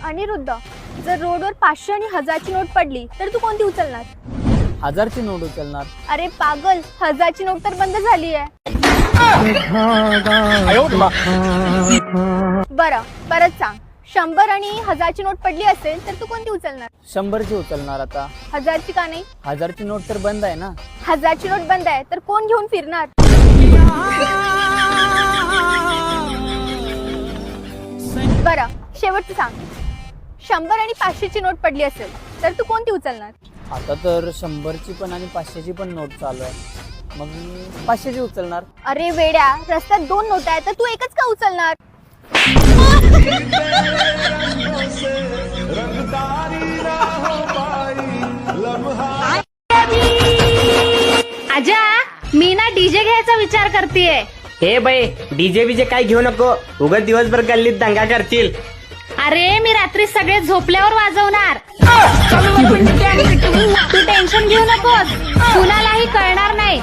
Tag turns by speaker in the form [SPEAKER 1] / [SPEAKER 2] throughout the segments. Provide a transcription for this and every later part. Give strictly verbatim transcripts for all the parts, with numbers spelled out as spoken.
[SPEAKER 1] अनिरुद्ध, जर रोडवर पाचशे आणि हजारची नोट पडली तर तू कोणती उचलणार?
[SPEAKER 2] हजारची नोट उचलणार.
[SPEAKER 1] अरे पागल, हजारची नोट तर बंद झाली आहे. बरं परत सांग, शंभर आणि हजारची नोट पडली असेल तर तू कोणती उचलणार?
[SPEAKER 2] शंभरची उचलणार. आता
[SPEAKER 1] हजारची का नाही?
[SPEAKER 2] हजारची नोट तर बंद आहे ना.
[SPEAKER 1] हजारची नोट बंद आहे तर कोण घेऊन फिरणार? बरं शेवटचं सांग, शंभर आणि पाचशेची नोट पडली असेल तर तू कोणती उचलणार?
[SPEAKER 2] आता तर शंभरची पण आणि पाचशेची पण नोट चालू आहे, मग मी पाचशेची उचलणार.
[SPEAKER 1] अरे वेड्या, रस्त्यात दोन नोट आहेत तर तू एकच का उचलणार?
[SPEAKER 3] आजा, मी ना डीजे घ्यायचा विचार करतेय.
[SPEAKER 4] हे बाई, डीजे बीजे काय घेऊ नको, उगाच दिवसभर गल्लीत दंगा करतील.
[SPEAKER 3] अरे मी रात्री सगळे झोपल्यावर वाजवणार. तू टेन्शन घेऊ नकोस, कुणालाही कळणार नाही.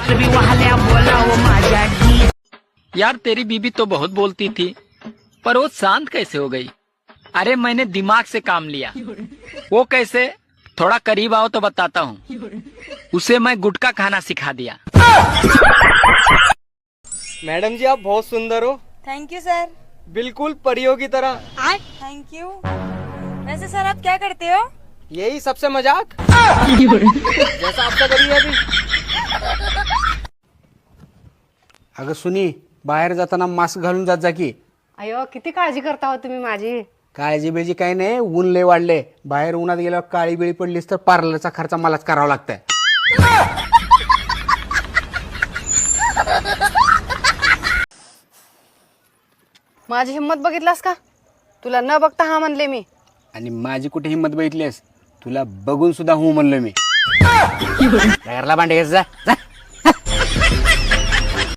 [SPEAKER 5] यार तेरी बीबी तो बहुत बोलती थी, पर वो शांत कैसे हो गई? अरे मैंने दिमाग से काम लिया. वो कैसे? थोड़ा करीब आओ तो बताता हूँ. उसे मैं गुटखा खाना सिखा दिया.
[SPEAKER 4] मैडम जी, आप बहुत सुंदर हो.
[SPEAKER 6] Thank you sir.
[SPEAKER 4] बिल्कुल परियों की तरह.
[SPEAKER 6] Thank you. वैसे सर आप क्या करते हो?
[SPEAKER 4] यही सबसे मजाक जैसा आपका करिए अभी.
[SPEAKER 7] अगं सुनी, बाहेर जाताना मास्क घालून जात जा की.
[SPEAKER 8] अयो, किती काळजी करता हो तुम्ही माझी.
[SPEAKER 7] काळजी बिळजी काही नाही, ऊन लय वाढले. बाहेर उन्हात गेल्यावर काळी बिळी पडलीस तर पार्लरचा खर्च मलाच करावा लागतंय.
[SPEAKER 8] माझी हिंमत बघितलास का? तुला न बघता हा म्हणले मी.
[SPEAKER 7] आणि माझी कुठे हिंमत बघितलीस? तुला बघून सुद्धा हो म्हणलो मी. घरला भांडे घ्यायचं जा.